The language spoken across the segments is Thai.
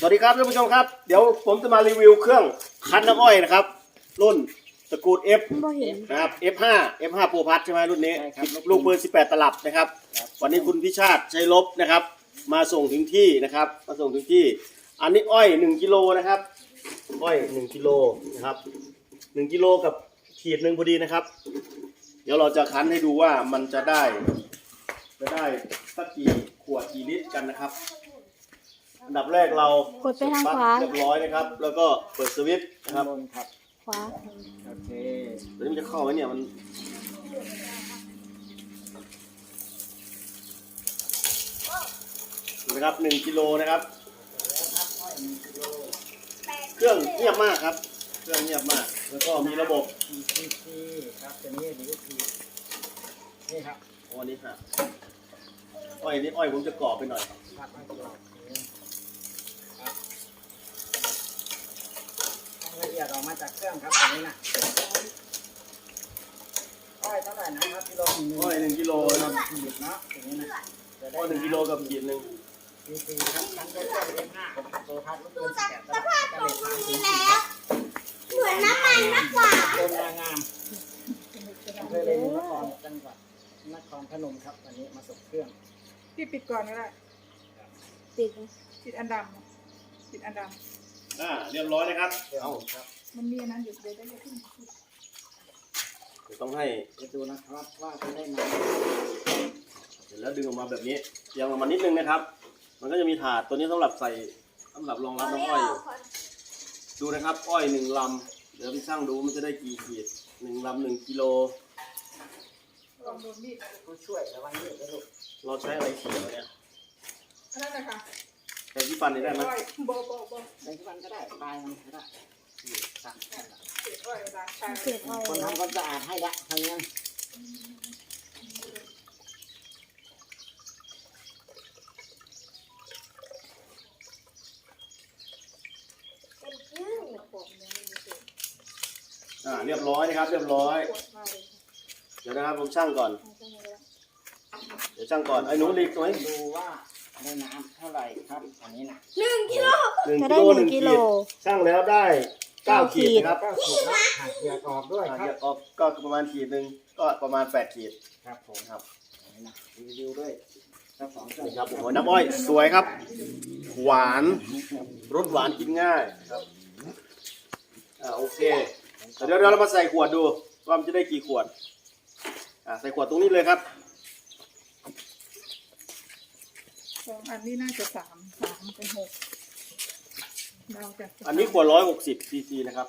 สวัสดีครับท่านผู้ชมครับเดี๋ยวผมจะมารีวิวเครื่องคั้นน้ำอ้อยนะครับรุ่นตระกูล F นะครับ F5 Pro Plus ใช่ไหมรุ่นนี้ลูกปืน18 ตลับนะครับวันนี้คุณพิชาติชัยลบนะครับมาส่งถึงที่นะครับมาส่งถึงที่อันนี้อ้อย1 กิโลนะครับอ้อย1 กิโลนะครับ1 กิโลกับขีดหนึ่งพอดีนะครับเดี๋ยวเราจะคั้นให้ดูว่ามันจะได้สักกี่ขวดกี่ลิตรกันนะครับอันดับแรกเรากดไปทางขวาเรียบร้อยนะครับแล้วก็เปิดสวิตช์นะครับขวาโอเคตัวนี้มันจะเข้าไหมเนี่ยมันนะครับ1 กิโลนะครับเครื่องเงียบมากครับเครื่องเงียบมากแล้วก็มีระบบ ECC ครับตัวนี้ดีคือนี่ครับอันนี้ฮะอ้อยนี่อ้อยผมจะกรอบไปหน่อยครับไม่กรอบละเอียดออกมาจากเครื่องครับตัวนี้นะอ้อยเท่าไหร่นะครับกิโลอ้อย1 กิโลนะขีดเนาะตัวนี้นะอ้อย1 กิโลกับขีดหนึ่ง ECC ครับทั้งตัวเครื่องเอ็มห้าของตัวพัดลูกปืน18 ตลับกระเด็นทางถึงเหมือนน้ำมันมากกว่าต้นงามอำเภอเรนูนครจังหวัดนครพนมครับวันนี้มาส่งเครื่องพี่ปิดก่อนก็ได้ปิดอันดำปิดอันดเรียบร้อยนะครับเอาครับำมันมีอันนั้นอยู่เดี๋ยวได้ขึ้นต้องให้ดูนะครับว่าจะได้ไหมเสร็จแล้วดึงออกมาแบบนี้เอียงออกมานิดนึงนะครับมันก็จะมีถาดตัวนี้สำหรับใส่สำหรับรองรับน้ำอ้อยอยู่ดูนะครับอ้อย1 ลำเดี๋ยวพี่ช่างดูมันจะได้กี่ขีด1 ลำ1 กิโลลองโดนมีดผู้ช่วยระวังมีดนะลูกเราใช้อะไรเขียวเนี่ยอันนั้นนะคะใช้ที่ฟันได้ไหมบใช้ที่ฟันก็ได้ปลายมันก็ได้สั่งเศษอ้อยล้างชาคนทำความสะอาดให้ละทำยังเรียบร้อยนะครับเรียบร้อยเดี๋ยวนะครับผมช่างก่อนเดี๋ยวช่างก่อนไอ้หนูรีบไหมดูว่าในน้ำเท่าไหร่ครับอันนี้นะ 1 กิโล 1 กิโลช่างแล้วได้9 ขีดนะครับ 9 ขีดนะหักเหยือกออกด้วยครับเหยือกออกก็ประมาณขีดหนึ่งก็ประมาณ8 ขีดครับผมครับนี่นะรีวิวด้วยครับนี่ครับโอ้น้ำอ้อยสวยครับหวานรสหวานกินง่ายครับโอเคเดี๋ยวเรามาใส่ขวดดูว่ามันจะได้กี่ขวดใส่ขวดตรงนี้เลยครับ 2 อันนี้น่าจะ3เป็น6เราจะอันนี้ขวด160 ซีซีนะครับ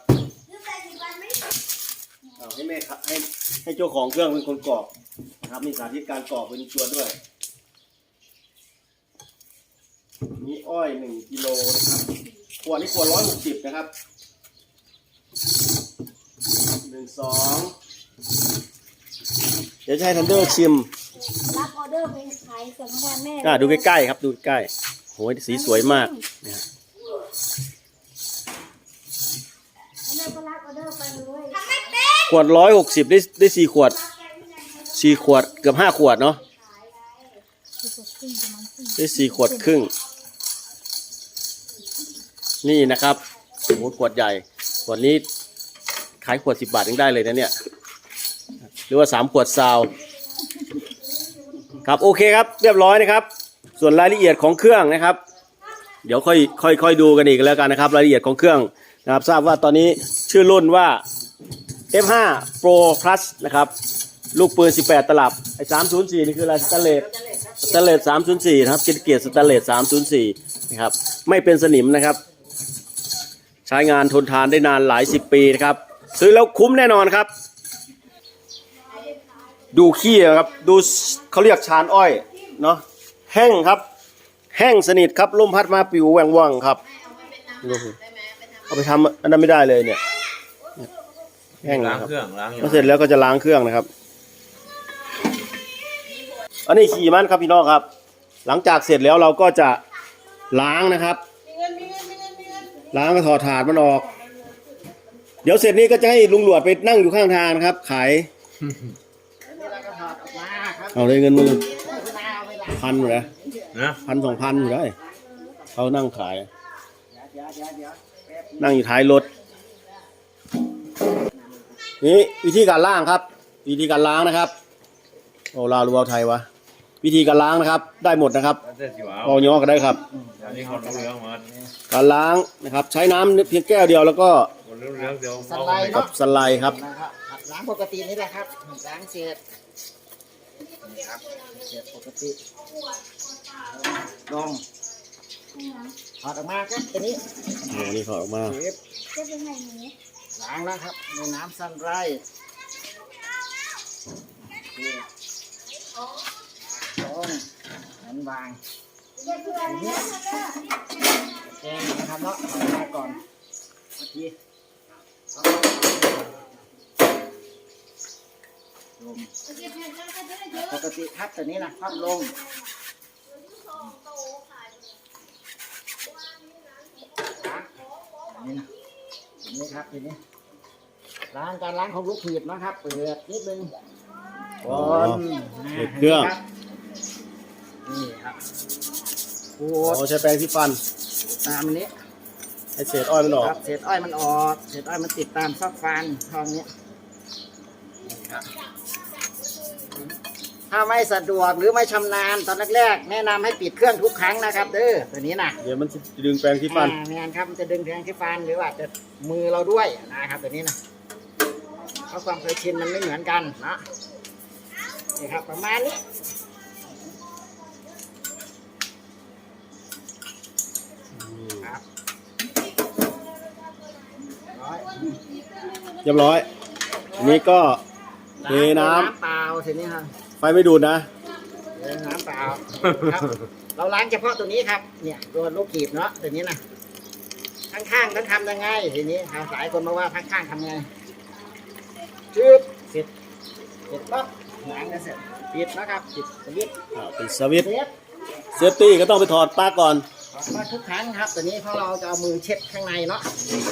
ให้แม่ครับให้เจ้าของเครื่องเป็นคนกรอกนะครับมีสาธิตการกรอกเป็นตัวด้วยมีอ้อย1 กิโลนะครับขวดนี้ขวด160นะครับ1 2เดี๋ยวจะให้ทันเดอร์ชิมรับออเดอร์ไปขายส่งให้แม่ดูใกล้ๆครับดูใกล้โหสีสวยมากเนี่ยขวด160ได้4 ขวด4 ขวดเกือบ5 ขวดเนาะได้4 ขวดครึ่งนี่นะครับโอ้โหขวดใหญ่ขวดนี้ขายขวด10 บาทยังได้เลยนะเนี่ยหรือว่า3 ขวดซาวครับโอเคครับเรียบร้อยนะครับส่วนรายละเอียดของเครื่องนะครับเดี๋ยวค่อยดูกันอีกแล้วกันนะครับรายละเอียดของเครื่องนะครับทราบว่าตอนนี้ชื่อรุ่นว่า F5 Pro Plus นะครับลูกปืน18 ตลับไอ้304นี่คืออะไรสแตนเลส304นะครับเกียร์สแตนเลส304นะครับไม่เป็นสนิมนะครับใช้งานทนทานได้นานหลาย10 ปีนะครับซื้อแล้วคุ้มแน่นอนครับดูขี้ครับดูเขาเรียกชานอ้อยเนาะแห้งครับแห้งสนิทครับลมพัดมาปิวแหว่งว่างครับเอาไปทำอันนั้นไม่ได้เลยเนี่ยแห้งล้างเครื่องล้างเสร็จแล้วก็จะล้างเครื่องนะครับอันนี้ขี่มันครับพี่น้องครับหลังจากเสร็จแล้วเราก็จะล้างนะครับล้างก็ถอดถาดมันออกเดี๋ยวเสร็จนี้ก็จะให้ลุงหลวดไปนั่งอยู่ข้างทางนะครับขายเอาเลยเงินมือ1,000อยู่แล้ว1,000 2,000อยู่ได้เขานั่งขายแป๊บนั่งอยู่ท้ายรถนี่วิธีการล้างครับ วิธีการล้างนะครับโอ้ลาวหรือว่าไทยวะวิธีการล้างนะครับ ได้หมดนะครับเอาย่อก็ได้ครับอันนี้คนรู้เรื่องมันการล้างนะครับ ใช้น้ำเพียงแก้วเดียวแล้วก็คนรู้เรื่องเดียวสไลด์กัเนาะบสไลด์ครับนะครับล้างปกตินี่แหละครับล้างเศษครับเศษปกติลงถอดออกมาครับตัวนี้โอ้นี่ถอดออกมาเศษจะเป็นไงหนูล้างแล้วครับในน้ำซันไรลงนั้นวางทีนี้แกงนะครับเนาะถอดมาก่อนเมื่อกี้ลงปกติครับตัวนี้นะคว่ำลงนี่นะนี่ครับทีนี้ล้างการล้างของลูกหีบนะครับเปิดนิดนึงอ๋อเปิดเครื่องนี่ครับขูโอ้ดใช้แปรงที่ฟันตามอันนี้ให้เศษอ้อยมันออกครับเศษอ้อยมันออกเศษอ้อยมันติดตามซอกฟันทองนี้นี่ครับถ้าไม่สะดวกหรือไม่ชำนาญตอนแรกๆแนะนำให้ปิดเครื่องทุกครั้งนะครับเด้อตัวนี้นะเดี๋ยวมันจะดึงแปรงที่ฟันแมนครับมันจะดึงแทงที่ฟันหรือว่าจะมือเราด้วยนะครับตัวนี้นะเพราะความเคยชินมันไม่เหมือนกันนะนี่ครับประมาณนี้ครับร้อยเรียบร้อยอันนี้ก็เทน้ำเปล่าทีนี้ครับไฟไม่ดูดนะน้ำเปล่าครับเราล้างเฉพาะตัวนี้ครับเนี่ยตัวลูกกีบเนาะตัวนี้นะข้างๆต้องทำยังไงทีนี้ครับหลายคนมาว่าข้างๆทำไงจึ๊บเสร็จปั๊บล้างกันเสร็จปิดนะครับปิดสวิตช์ปิดสวิตช์เซฟเซฟตี้ก็ต้องไปถอดปลั๊กก่อนมาทุกครั้งครับตัวนี้เพราะเราจะเอามือเช็ดข้างในเนาะ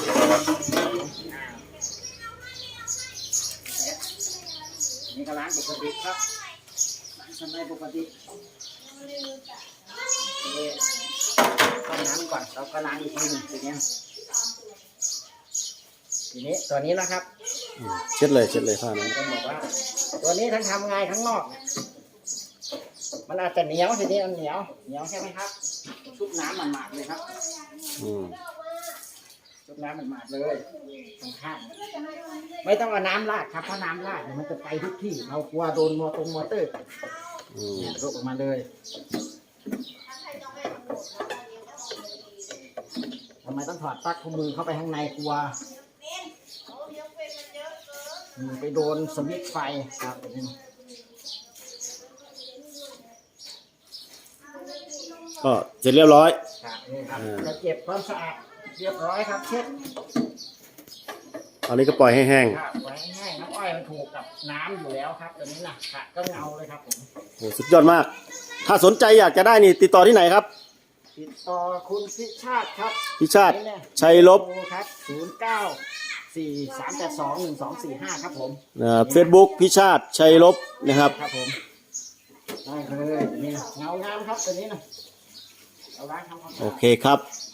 นี่ก็ล้างปกติครับล้างสไลด์ปกติต้มน้ำก่อนเราก็ล้างอีกทีหนึงทีนี้ตัวนี้นะครับเช็ดเลยผ้านั้นต้องบอกว่าตัวนี้ทั้งทำไงข้างนอกเนี่ยมันอาจจะเหนียวทีนี้มันเหนียวใช่ไหมครับชุบน้ำมันหมาดเลยครับอืมชุบน้ำมันหมาดเลยข้างๆไม่ต้องเอาน้ำราดครับเพราะน้ำราดเนี่ยมันจะไปทุกที่เรากลัวโดนมอเตอร์อืมเนี่ยลุกออกมาเลยทำไมต้องถอดปลั๊กข้อมือเข้าไปข้างในกลัวไปโดนสวิตช์ไฟครับแบบนี้ก็เสร็จเรียบร้อยครับนี่ครับจะเก็บความสะอาดเรียบร้อยครับเช็ดตอนนี้ก็ปล่อยให้แห้งครับไว้ให้แห้งน้ำอ้อยมันถูกกับน้ำอยู่แล้วครับตัวนี้นะค่ะก็เงาเลยครับผมโอ้สุดยอดมาก ถ้าสนใจอยากจะได้นี่ติดต่อที่ไหนครับติดต่อคุณพิชาติครับพิชาติชัยลบโทรครับ0943821245ครับผมเฟซบุ๊กพิชาติชัยลบนะครับครับผมได้เลยนี่นะเงางามครับตัวนี้นะเอาล้างทำความสะโออาดเคครับ